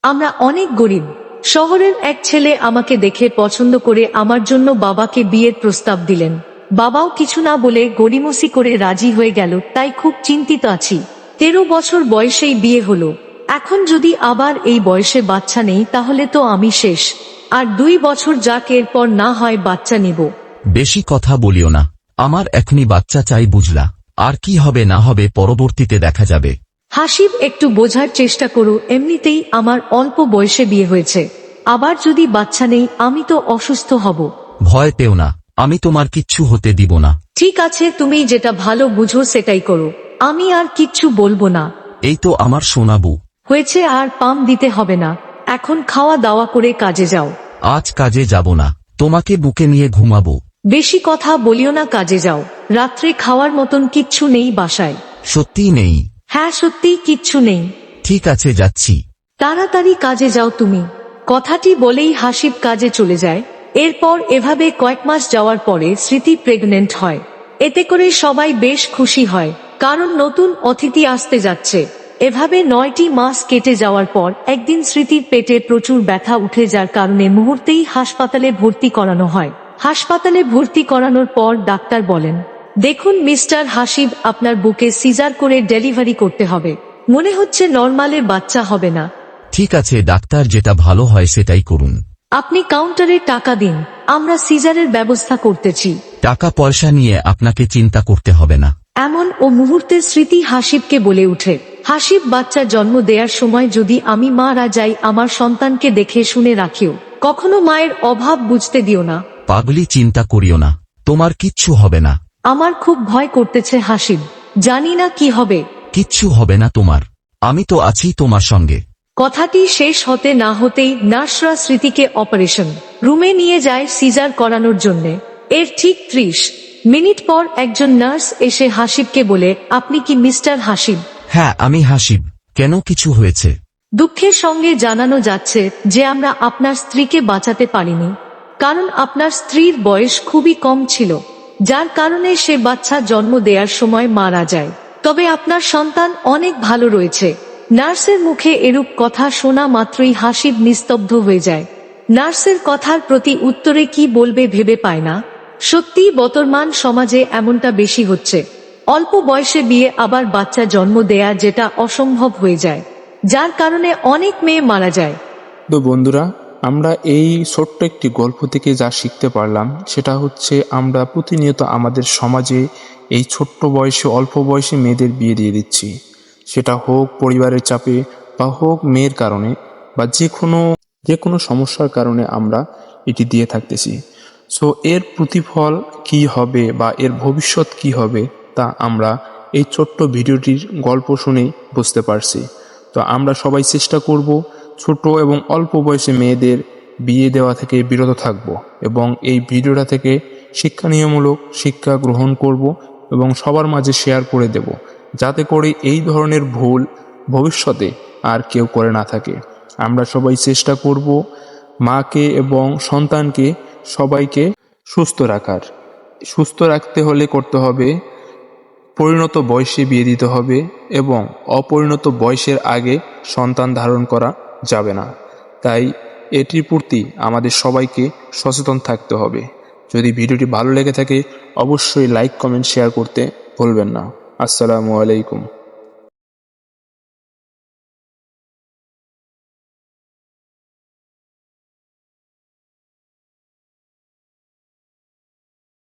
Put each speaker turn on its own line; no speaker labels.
আমরা অনেক গরিব। শহরের এক ছেলে আমাকে দেখে পছন্দ করে আমার জন্য বাবাকে বিয়ের প্রস্তাব দিলেন। বাবাও কিছু না বলে গড়িমসি করে রাজি হয়ে গেল, তাই খুব চিন্তিত আছি। 13 বছর বয়সেই বিয়ে হলো। এখন যদি আবার এই বয়সে বাচ্চা নেই তাহলে তো আমি শেষ। আর 2 বছর যাক, এরপর না হয় বাচ্চা নিব।
বেশি কথা বলিও না, আমার এখনই বাচ্চা চাই, বুঝলা? আর কি হবে না হবে পরবর্তীতে দেখা যাবে।
হাসিব, একটু বোঝার চেষ্টা করো, এমনিতেই আমার অল্প বয়সে বিয়ে হয়েছে। আবার যদি বাচ্চা নেই আমি তো অসুস্থ হব।
ভয় পেও না, আমি তোমার কিচ্ছু হতে দিব না।
ঠিক আছে, তুমি যেটা ভালো বুঝো সেটাই করো, আমি আর কিচ্ছু বলবো না।
এই তো আমার সোনাবু।
হয়েছে, আর পাম দিতে হবে না। এখন খাওয়া দাওয়া করে কাজে যাও।
আজ কাজে যাব না, তোমাকে বুকে নিয়ে ঘুমাবো।
বেশি কথা বলিও না, কাজে যাও। রাত্রে খাওয়ার মতন কিচ্ছু নেই বাসায়।
সত্যিই নেই?
হ্যাঁ, সত্যি কিচ্ছু নেই।
ঠিক আছে, যাচ্ছি।
তাড়াতাড়ি কাজে যাও তুমি। কথাটি বলেই হাসিব কাজে চলে যায়। এরপর এভাবে কয়েক মাস যাওয়ার পরে স্মৃতি প্রেগনেন্ট হয়। এতে করে সবাই বেশ খুশি হয়, কারণ নতুন অতিথি আসতে যাচ্ছে। এভাবে 9টি মাস কেটে যাওয়ার পর একদিন স্মৃতির পেটে প্রচুর ব্যথা উঠে, যার কারণে মুহূর্তেই হাসপাতালে ভর্তি করানো হয়। হাসপাতালে ভর্তি করানোর পর ডাক্তার বলেন, দেখুন মিস্টার হাসিব, আপনার বুকে সিজার করে ডেলিভারি করতে হবে। মনে হচ্ছে নরমালে বাচ্চা হবে না।
ঠিক আছে ডাক্তার, যেটা ভালো হয় সেটাই করুন।
আপনি কাউন্টারে টাকা দিন, আমরা সিজারের ব্যবস্থা করতেছি।
টাকা পয়সা নিয়ে আপনাকে চিন্তা করতে হবে না।
এমন ও মুহূর্তে স্মৃতি হাসিবকে বলে উঠে, হাসিব, বাচ্চা জন্ম দেওয়ার সময় যদি আমি মারা যাই, আমার সন্তানকে দেখে শুনে রাখিও। কখনো মায়ের অভাব বুঝতে দিও না।
পাগলি, চিন্তা করিও না, তোমার কিচ্ছু হবে না।
আমার খুব ভয় করতেছে হাসিব, জানি না কি হবে।
কিচ্ছু হবে না তোমার, আমি তো আছি তোমার সঙ্গে।
কথাটি শেষ হতে না হতেই নার্সরা স্মৃতিকে অপারেশন রুমে নিয়ে যায় সিজার করানোর জন্য। এর ঠিক 30 মিনিট পর একজন নার্স এসে হাসিবকে বলে, আপনি কি মিস্টার হাসিব?
হ্যাঁ, আমি হাসিব। কেন, কিছু হয়েছে?
দুঃখের সঙ্গে জানানো যাচ্ছে যে আমরা আপনার স্ত্রীকে বাঁচাতে পারিনি, কারণ আপনার স্ত্রীর বয়স খুবই কম ছিল, যার কারণে সে বাচ্চা জন্ম দেওয়ার সময় মারা যায়। তবে আপনার সন্তান অনেক ভালো রয়েছে। নার্সের মুখে এরূপ কথা শোনা মাত্রই হাসিব নিস্তব্ধ হয়ে যায়। নার্সের কথার প্রতি উত্তরে কি বলবে ভেবে পায় না। সত্যি বর্তমান সমাজে এমনটা বেশি হচ্ছে। অল্প বয়সে বিয়ে, আবার বাচ্চা জন্ম দেয়া, যেটা অসম্ভব হয়ে যায়, যার কারণে অনেক মেয়ে মারা যায়।
তো বন্ধুরা, আমরা এই ছোট্ট একটি গল্প থেকে যা শিখতে পারলাম সেটা হচ্ছে, আমরা প্রতিনিয়ত আমাদের সমাজে এই ছোট্ট বয়সে, অল্প বয়সে মেয়েদের বিয়ে দিয়ে দিচ্ছি। সেটা হোক পরিবারের চাপে, বা হোক মেয়ের কারণে, বা যে কোনো সমস্যার কারণে আমরা এটি দিয়ে থাকতেছি। সো এর প্রতিফল কি হবে বা এর ভবিষ্যৎ কি হবে, তা আমরা এই ছোট্ট ভিডিওটির গল্প শুনেই বুঝতে পারছি। তো আমরা সবাই চেষ্টা করব ছোট এবং অল্প বয়সে মেয়েদের বিয়ে দেওয়া থেকে বিরত থাকব, এবং এই ভিডিওটা থেকে শিক্ষণীয়মূলক শিক্ষা গ্রহণ করব এবং সবার মাঝে শেয়ার করে দেব, যাতে করে এই ধরনের ভুল ভবিষ্যতে আর কেউ করে না থাকে। আমরা সবাই চেষ্টা করব মাকে এবং সন্তানকে, সবাইকে সুস্থ রাখার। সুস্থ রাখতে হলে করতে হবে, পরিণত বয়সে বিয়ে দিতে হবে, এবং অপরিণত বয়সের আগে সন্তান ধারণ করা যাবে না। তাই এটির প্রতি আমাদের সবাইকে সচেতন থাকতে হবে। যদি ভিডিওটি ভালো লেগে থাকে অবশ্যই লাইক, কমেন্ট, শেয়ার করতে ভুলবেন না। আসসালামু আলাইকুম।